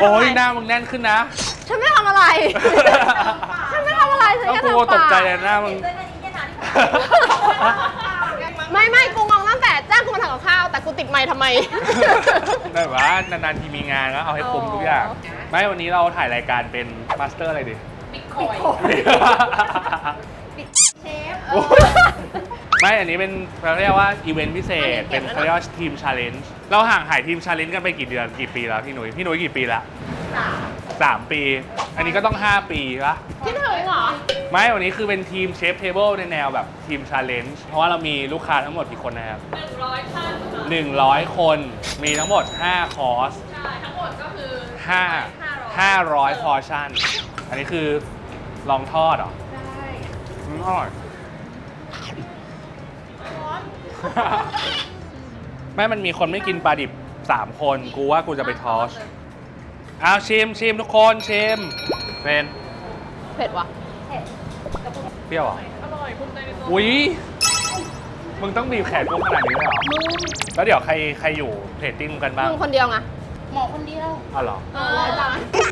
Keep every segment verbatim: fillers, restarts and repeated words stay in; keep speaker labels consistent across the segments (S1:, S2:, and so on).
S1: โอ้ยหน้ามึงแน่นขึ้นนะ
S2: ฉันไม่ทำอะไร ฉันไม่ทำอะไรฉันแค่
S1: กู
S2: ทำปาก
S1: ตกใจเลยหน้ามึง
S2: ไม่ไม่กูงงตั้งแต่จ้างกูมาทำกับข้าวแต่กูติดไมค์ทำไม
S1: ได้ว่านานๆทีมีงานแล้วเอาให้คุ้มทุกอย่าง ไม่วันนี้เราถ่ายรายการเป็นมาสเตอร์อะไรดิ
S3: บิ๊กคอยเชฟ
S1: ไม่อันนี้เป็นเขาเรียกว่าอีเวนต์พิเศษเป็นเขาเรียกว่าทีมชาเลนจ์เราห่างหายทีมชาเลนจ์กันไปกี่เดือนกี่ปีแล้วพี่หนุ่ยพี่หนุ่ยกี่ปีละสามปี อันนี้ก็ต้องห้าปีปะ
S2: คิดถึงเหรอ
S1: ไม่วันนี้คือเป็นทีมเชฟเทเบิลในแนวแบบทีมชาเลนจ์เพราะว่าเรามีลูกค้าทั้งหมดกี่คนนะครับหนึ่งร้อยท่านหนึ่งร้อยคนมีทั้งหมดห้าคอร์สใช่ทั้งหมดก็คือห้า ห้าร้อยพอร์ชั่นอันนี้คือลองทอดเหรอใช่อร่อยแม่มันมีคนไม่กินปลาดิบสามคนกูว่ากูจะไปทอสเอาชิมชิมทุกคนชิมเป็น
S2: เผ็ดวะ
S1: เปรี้ยวเหรออร่อยภูมิใจในตัวอุ้ยมึงต้องบีบแขนกูขนาดนี้เลยเหรอแล้วเดี๋ยวใครใครอยู่เพจติ้งกันบ้าง
S2: มึงคนเดียวไง
S3: หมอคนเดียว
S1: อ๋อเหรอ
S2: เออจ้ะ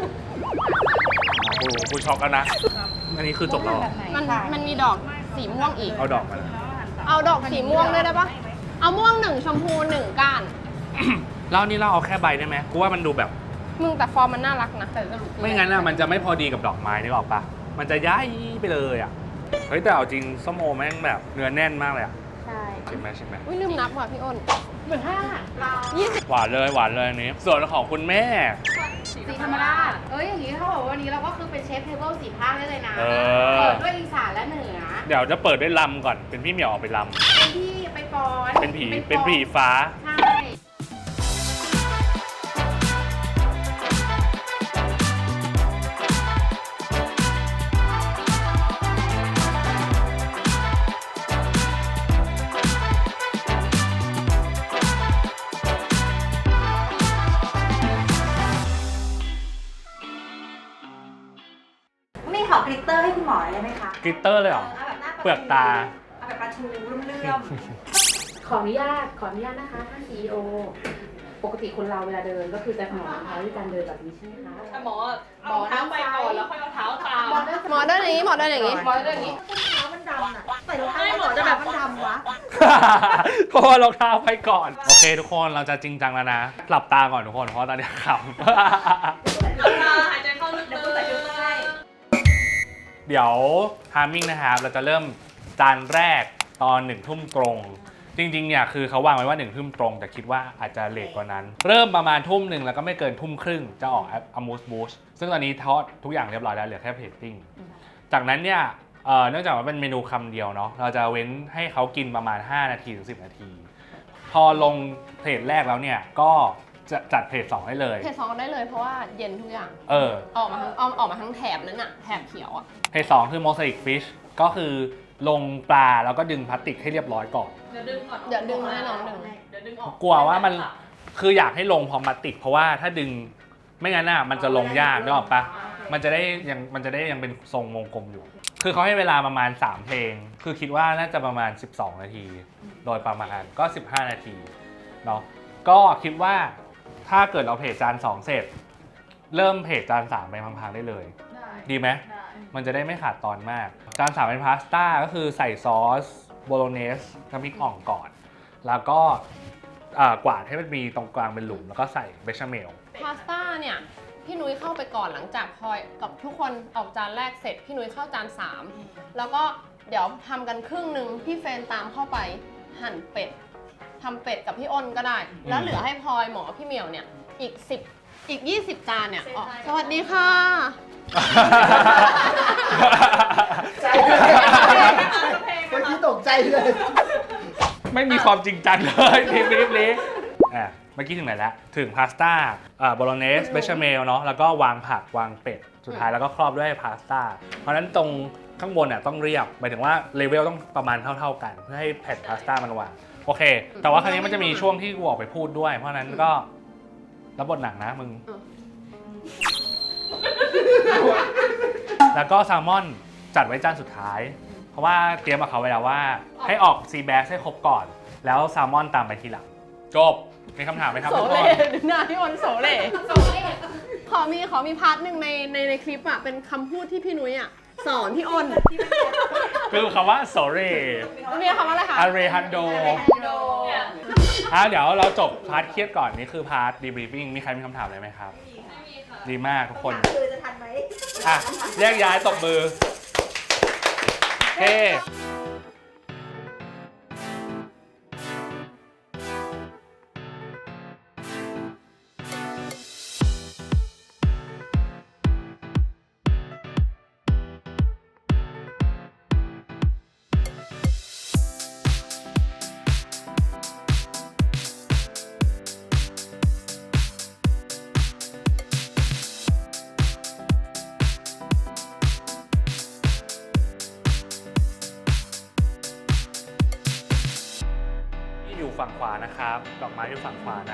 S1: กูกูช็อกกันนะอันนี้คือจบแล้วเหรอ
S2: มันมันมีดอกสีม่วงอีก
S1: เอาดอกมา
S2: เอาดอกสีม่วงด้วยได้ปะเอาม่วงหนึ่งชมพูหนึ่งก้าน
S1: แล้วนี่เราเอาแค่ใบได้ไหมกูว่ามันดูแบบ
S2: มึงแต่ฟอร์มมันน่ารักนะ
S1: ไม่งั้นอะมันจะไม่พอดีกับดอกไม้นึกออกปะมันจะย้ายไปเลยอะเฮ้ยแต่เอาจริงส้มโอแม่งแบบเนื้อแน่นมากเลยอะ
S2: ใช่
S1: ชิมไหมชิมไหม
S2: อุ้ยลืมนับว่ะพี่อ้น
S3: เหมือนห้า
S2: ยี่สิบ
S1: หวานเลยหวานเลยอันนี้ ส่วนของคุณแม่
S3: สีธรรมราชเอ้ยอย่างนี้เขาบอกว่าวันนี้เราก็คือเป็นเชฟเทเบิลสี่ภาคได้เลยนะ
S1: เออ
S3: เปิดด้วยอีสานและเหนือ
S1: เดี๋ยวจะเปิดด้วยลำก่อนเป็นพี่เหมียวออกไปล
S3: เป็นที่ไปฟ้อน
S1: ำเป็นผีเป็นผีฟ้า
S3: ใช่
S4: มีขอกลิตเตอร์ให้คุณหมอเลยไหมคะ
S1: กลิตเตอร์เลยเหรอ
S4: เอาแบบหน้า
S1: เปลือกตา
S4: เอาแบบปลาทูเรื่อม
S5: ขออนุญาต ขออนุญาตนะคะท่าน ซี อี โอ ปกติคนเราเวลาเดินก็คือจะหมอนเท้าด้วยการเดินแบบนี้ใช่ไหมคะ
S3: หมอหมอเท้าไปก่อนแล้วค่อยเอาเท้าตาม
S2: หมอเดินอย่างนี้หมอเดินอย่างนี้
S3: หมอเดินอย่างนี้
S4: ๆเท้ามันดำอ่ะใส่รองเท้าหมอจะแบบมันดำวะ
S1: เพราะว่ารองเท้าไปก่อน โอเคทุกคนเราจะจริงจังแล้วนะหลับตาก่อนทุกคนเพราะตอนนี้ขำ
S3: หายใจเข้าลึกๆ
S4: เดี๋ยวกูใส่ชุดให้
S1: เดี๋ยวทามมิ่งนะครับเราจะเริ่มจานแรกตอนหนึ่งทุ่มตรง จริงๆเนี่ยคือเขาวางไว้ว่าหนึ่งทุ่มตรง แต่คิดว่าอาจจะเลทกว่านั้น เริ่มประมาณทุ่มหนึ่งแล้วก็ไม่เกินทุ่มครึ่งจะออกอมูสบูชซึ่งตอนนี้ทอดทุกอย่างเรียบร้อยแล้วเหลือแค่เพจติ้งจากนั้นเนี่ยเอ่อเนื่องจากว่าเป็นเมนูคำเดียวเนาะเราจะเว้นให้เขากินประมาณห้านาทีถึงสิบนาที พอลงเพจแรกแล้วเนี่ยก็จะจัดเพจสองได้เลย
S2: เพจสองได้เลยเพราะว่าเย็นทุกอย่าง
S1: เออ
S2: ออกมาทั้งออกออกมาทั้งแถบนั้นอะแถบเขียวอะ
S1: เพจสองคือ Mosaic Fish ก็คือลงปลาแล้วก็ดึงพลาสติกให้เรียบร้อยก่อน
S3: เดี๋ยวดึงก่อน
S2: เดี๋ยวดึงแน่นอนดึง
S3: เดี๋ยวดึงออก
S1: กลัวว่ามันคืออยากให้ลงพร้อมพลาสติก เพราะว่าถ้าดึงไม่งั้นน่ะมันจะลงยากนึกออกปะมันจะได้ยังมันจะได้ยังเป็นทรงวงกลมอยู่ คือเขาให้เวลาประมาณสามเพลง คือคิดว่าน่าจะประมาณสิบสองนาที โดยประมาณก็สิบห้านาทีเนาะก็คิดว่าถ้าเกิดเราเพจจานสองเสร็จ เริ่มเพจจานสามไปพังๆได้เลย
S3: ได้
S1: ดีไหม
S3: ได้
S1: มันจะได้ไม่ขาดตอนมาก จานสามเป็นพาสต้าก็คือใส่ซอสโบโลเนสน้ำพริกอ่องก่อน แล้วก็อ่ากวาดให้มันมีตรงกลางเป็นหลุม แล้วก็ใส่เบชาเมล
S2: พาสต้าเนี่ยพี่นุ้ยเข้าไปก่อนหลังจากพลอยกับทุกคนออกจานแรกเสร็จพี่นุ้ยเข้าจานสามแล้วก็เดี๋ยวทำกันครึ่งหนึ่งพี่เฟรนตามเข้าไปหั่นเป็ดทำเป็ดกับพี่อ้นก็ได้ แล้วเหลือให้พลอยหมอพี่เหมียวเนี่ยอีกสิบอีกยี่สิบจานเนี่ยอ๋อสวัสดีค่ะ
S6: ใจเมื่อกี้ตกใจเลย
S1: ไม่มีความจริงจังเลยทีนี้นี้อ่ะเมื่อกี้ถึงไหนแล้ว ถึงพาสต้าอ่าโบโลเนสเบชาเมลเนาะแล้วก็วางผักวางเป็ด สุดท้ายแล้วก็ครอบด้วยพาสต้าเพราะฉะนั้นตรงข้างบนอ่ะต้องเรียบหมายถึงว่าเลเวลต้องประมาณเท่าๆกัน เพื่อให้แผ่นพาสต้ามันวางโอเค แต่ว่าครั้งนี้มันจะมีช่วงที่กูออกไปพูดด้วย เพราะฉะนั้นก็รับบทหนักนะมึง แล้วก็แซลมอนจัดไว้จานสุดท้าย เพราะว่าเตรียมกับเขาไว้แล้วว่าให้ออกซีแบสให้ครบก่อน แล้วแซลมอนตามไปทีหลังจบมีคำถามไหมครับ
S2: โส
S1: ทุกค
S2: เล่
S1: น
S2: หน้าพี่อ้นโสเล่
S3: โซเล่
S2: ขอมีขอมีพาร์ทหนึ่งในในในคลิปอ่ะเป็นคำพูดที่พี่นุ้ยอ่ะสอนพี่อ้น
S1: คือคำว่า sorry
S2: มันมีคำว่าอะไรคะ
S1: arejando อ่ะเดี๋ยวเราจบพาร์ทเครียดก่อนนี่คือพาร์ท debriefing มีใครมีคำถามอะไรไหมครับ ดีมากทุกคน
S4: คือจะทันไหม
S1: อ่ะแยกย้ายตบมือเฮ้อยู่ฝั่งขวานะครับ ดอกไม้อยู่ฝั่งขวานะ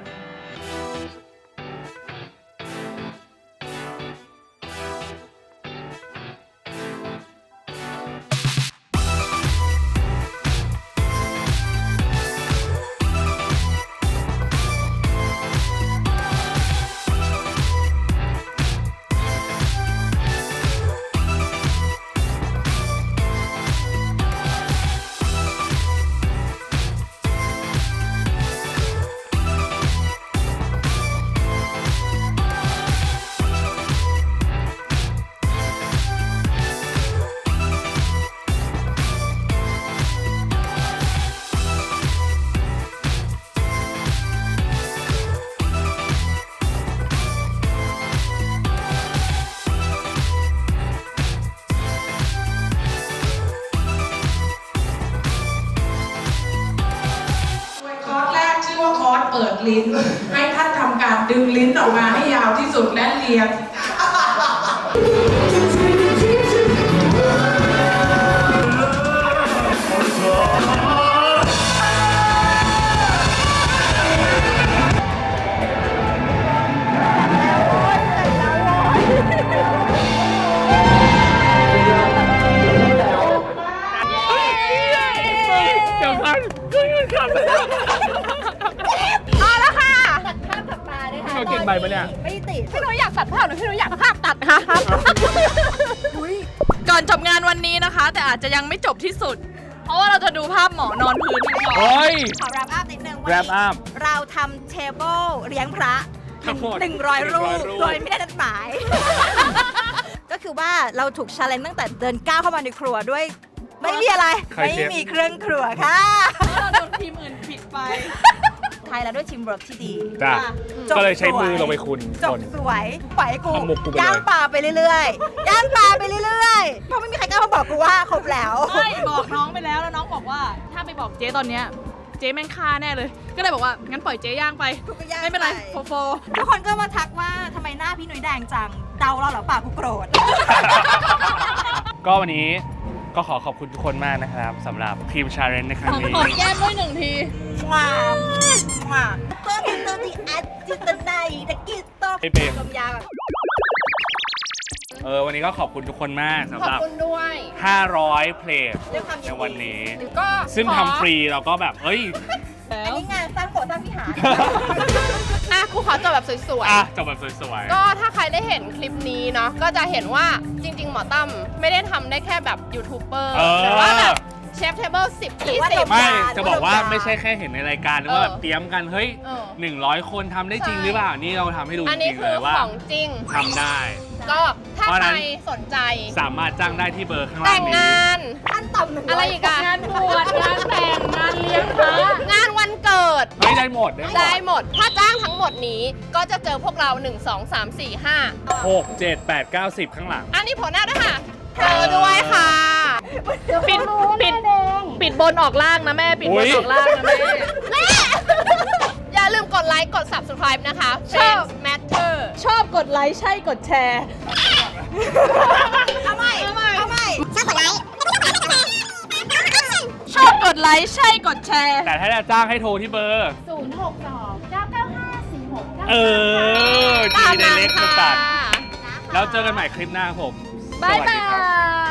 S7: คอร์สแรกชื่อว่าคอร์สเปิดลิ้น ให้ท่านทำการดึงลิ้นออกมาให้ยาวที่สุดและเลีย
S1: เดี๋ยวพันก็ยืนขับ
S2: เอาละค่ะ
S4: ตัดภาพกลับมาด้วยค่ะ
S1: เราเก่งใบปะเนี่ย
S4: ไม่ติด
S2: พี่นุ้ยอยากตัดภาพหรือพี่นุ้ยอยากภาพตัดคะครับ
S8: ก่อนจบงานวันนี้นะคะ แต่อาจจะยังไม่จบที่สุด เพราะว่าเราจะดูภาพหมอนอนพื้นกันก่อน
S1: เฮ้ย
S4: ขอ wrap up นิดนึงวัน
S1: wrap
S4: นี้
S1: up
S4: เราทำเทเบิลเลี้ยงพระ
S1: ทั้งหมด
S4: หนึ่งร้อยรูป
S1: หนึ่งร้อยรูป
S4: โดยไม่ได้นัดหมาย ก็คือว่าเราถูกชาเลนจ์ตั้งแต่เดินก้าวเข้ามาในครัวด้วย ไม่มีอะไร
S1: ใคร
S4: ไม่
S1: เชฟ
S4: มีเครื่องครัวค่ะ
S8: เราโดนทีมอื่นปิดไป
S4: ไทยแล้วด้วยทีมเวิร์กที่ดี
S1: จ้ะ
S4: จบ
S1: ก็เลยใช้มือ
S4: สวย
S1: ลงไปคุณ
S4: จ
S1: ค
S4: บ
S1: น
S4: สวยปล่อยให้กู
S1: เอามุกกูไปเลย
S4: ย่างปลาไปเรื่อยๆ ย่างปลาไปเรื่อยๆ เพราะไม่มีใครกล้ามาบอกกูว่าครบแล้ว
S8: ไม่บอกน้องไปแล้วแล้วน้องบอกว่า ถ้าไปบอกเจ๊ตอนเนี้ยเจ๊แม่งฆ่าแน่เลย ก็เลยบอกว่างั้นปล่อยเจ๊ย่างไป
S4: กูก็ย่าง
S8: ไม่เป็นไร
S4: ไป
S8: โฟโฟ
S4: ทุกคนก็มาทักว่าทำไมหน้าพี่หนุ่ยแดงจัง เดาเราเหรอป่ากูโกรธ
S1: ก็วันนี้ก็ขอขอบคุณทุกคนมากนะครับสำหรับทีมชาเลนจ์ในครั้งนี้
S8: หอมแก้มด้วยหนึ่งที
S4: ว้าวว้าวเพิ่มเติมที่อัดจิตในตะกี้ต้อง
S1: ไม่เป็น
S4: ลมยาวแบบ
S1: เออวันนี้ก็ขอบคุณทุกคนมากสำ
S2: ขอ
S1: ห
S2: บ
S1: รับ
S2: คุณด้วย
S1: ห้าร้อยเพลง
S4: ด้วยความยิ
S1: ใน
S4: น
S1: วัน
S4: ดี
S1: นี้
S2: ก็
S1: ซึ่ง
S2: ขอ
S1: ทำฟรีเราก็แบบ เอ้ย
S4: อันนี้งานสร้างโขสร้างพิหาร
S2: อ่ะครูขอจบแบบสวย
S1: อ่ะจบแบบสวย
S2: ๆ ก็ถ้าใครได้เห็นคลิปนี้เนาะ ก็จะเห็นว่าจริง ๆ หมอตั้มไม่ได้ทำได้แค่แบบยูทูบเบอร์
S1: เออ
S2: หรือว่าแบบเชฟเทเบิลสิบ
S4: หรือ
S2: ยี่
S4: ว่า
S2: สิบ
S1: ๆ ไม่
S4: ลมยาว
S1: จะบอกว่า
S4: ลมยาว
S1: ไม่ใช่แค่เห็นในรายการหรือว่า
S2: เออ
S1: แบบเตรียมกัน เฮ้ย
S2: เออ
S1: หนึ่งร้อยคนทำได้จริง
S2: ใช่
S1: หรือเปล่า นี่เราทำให้ดูจ
S2: อันนี้
S1: ริงๆ
S2: คื
S1: เล
S2: อย
S1: ว่า
S2: ของจริง
S1: ทำได้
S2: ก็ถ้า
S1: เพราะฉะ
S2: ใค
S1: นั้
S2: ร
S1: น
S2: สนใจ
S1: สามารถจ้างได้ที่เบอร์ข้างล่า
S2: แต่
S1: ง
S2: ง
S1: นี้
S2: งาน
S4: ขั้นต่ำหนึ่ง
S2: อะไรอีกอะ
S8: งานบวชงานแต่งงานเลี้ยงพระ
S2: งานวันเกิด
S1: เฮ้ยได้หมดได้หม
S2: ได้
S1: ด
S2: หมด ถ้าจ้างทั้งหมดนี้ก็จะเจอพวกเราหนึ่ง สอง สาม สี่ ห้า
S1: หกเจ็ดแปดเก้าสิบข้างหลัง
S2: อันนี้ผลหน้าด้วยค่ะเจอด้วยค่ะ ปิดปิดปิดบนออกล่างนะแม่ ปิดบนออกล่างนะแม่แม่ อย่าลืมกดไลค์กด subscribe นะคะ Friends Matter
S8: ชอบกดไลค์ใช่กดแชร์
S4: เอาใหม่เอาใหม่เอาใหม่ชอบกดไลค์
S8: ชอบกดไลค์ใช่กดแชร์
S1: แต่ถ้าจะจ้างให้โทรที่เบอร์
S5: ศูนย์หกสองเก้าเก้าห้าสี่หกเก้า
S1: เออ
S2: ตาม
S1: ทีใน
S2: นั้น
S1: เล็ก
S2: ค่ะ
S1: ตัดแล้วเจอกันใหม่คลิปหน้าครับผม
S8: บ๊าย
S1: สวัส
S8: บา
S1: ดีครับ
S8: ย